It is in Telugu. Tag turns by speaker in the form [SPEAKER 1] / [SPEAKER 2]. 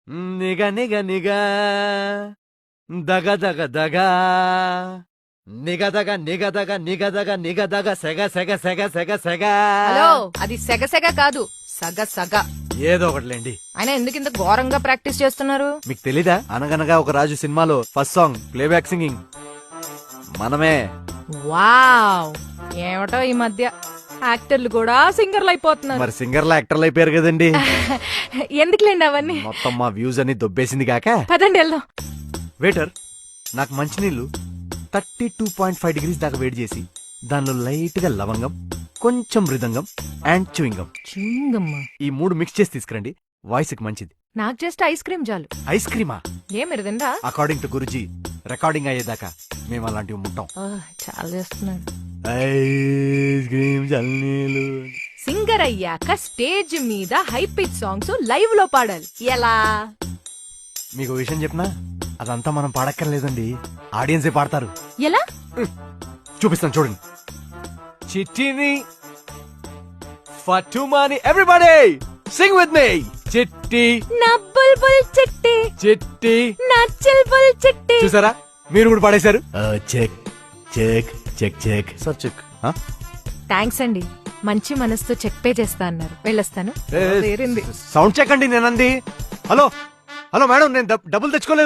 [SPEAKER 1] నిగ నిగ నిగ దగ దగ దగ నిగదగ నిగదగ నిగదగ నిగదగ సెగ సెగ సెగ సెగ సెగ.
[SPEAKER 2] హలో, అది సెగ సెగ కాదు, సగ సగ.
[SPEAKER 1] ఏదో ఒకటిలేండి.
[SPEAKER 2] ఆయన ఎందుకు ఇంత ఘోరంగా ప్రాక్టీస్ చేస్తున్నారు?
[SPEAKER 1] మీకు తెలీదా? అనగనగా ఒక రాజు సినిమాలో ఫస్ట్ సాంగ్ ప్లేబ్యాక్ సింగింగ్ మనమే.
[SPEAKER 2] వావ్, ఏమిటో ఈ మధ్య యాక్టర్లు కూడా సింగర్లు అయిపోతున్నారు.
[SPEAKER 1] మరి సింగర్లు యాక్టర్లు అయిపోయారు కదండి.
[SPEAKER 2] ఎందుకులేండి అవన్నీ.
[SPEAKER 1] మొత్తం మా వ్యూస్ అని దొబ్బేసింది కాక.
[SPEAKER 2] పదండి వెళ్దాం.
[SPEAKER 1] వెయిటర్, నాకు మంచినీళ్ళు 32.5 degrees దాకా వేడి చేసి దానిలో లైట్ గా లవంగం, కొంచెం మృదంగం అండ్ చూయింగం, ఈ 3 మిక్స్ చేసి తీసుకురండి. వాయిస్ కి మంచిది.
[SPEAKER 2] నాకు జస్ట్ ఐస్ క్రీమ్ చాలు.
[SPEAKER 1] ఐస్ క్రీమా?
[SPEAKER 2] ఏ మీరు తిందా?
[SPEAKER 1] అకార్డింగ్ టు గురుజీ, రికార్డింగ్ అయ్యేదాకా మేము అలాంటివి ముట్టాం.
[SPEAKER 2] చాలా చేస్తున్నాడు.
[SPEAKER 1] ఐస్ క్రీమ్ చల్లీలు.
[SPEAKER 2] సింగర్ అయ్యాక స్టేజ్ మీద హై పిచ్ సాంగ్స్ లైవ్ లో పాడాలి. ఎలా?
[SPEAKER 1] మీకు విషయం చెప్పనా? అదంతా మనం పాడక్కర్లేదండి, ఆడియన్సే పాడతారు.
[SPEAKER 2] ఎలా?
[SPEAKER 1] చూపిస్తాను చూడండి. చిట్టిని ఫటుమాని ఎవ్రీబడీ సింగ్ విత్ మీ. చిట్టి
[SPEAKER 2] నా బుల్బుల్ చిట్టి,
[SPEAKER 1] చిట్టి
[SPEAKER 2] నా చిల్బుల్ చిట్టి.
[SPEAKER 1] చూసారా, మీరు కూడా పాడేశారు. Check check check check sir check.
[SPEAKER 2] Thanks అండి, మంచి మనసుతో చెక్ పే చేస్తా అన్నారు. వెళ్ళొస్తాను.
[SPEAKER 1] సౌండ్ చెక్ అండి నేనంది. హలో హలో మేడం, నేను డబ్బులు తెచ్చుకోలేదు.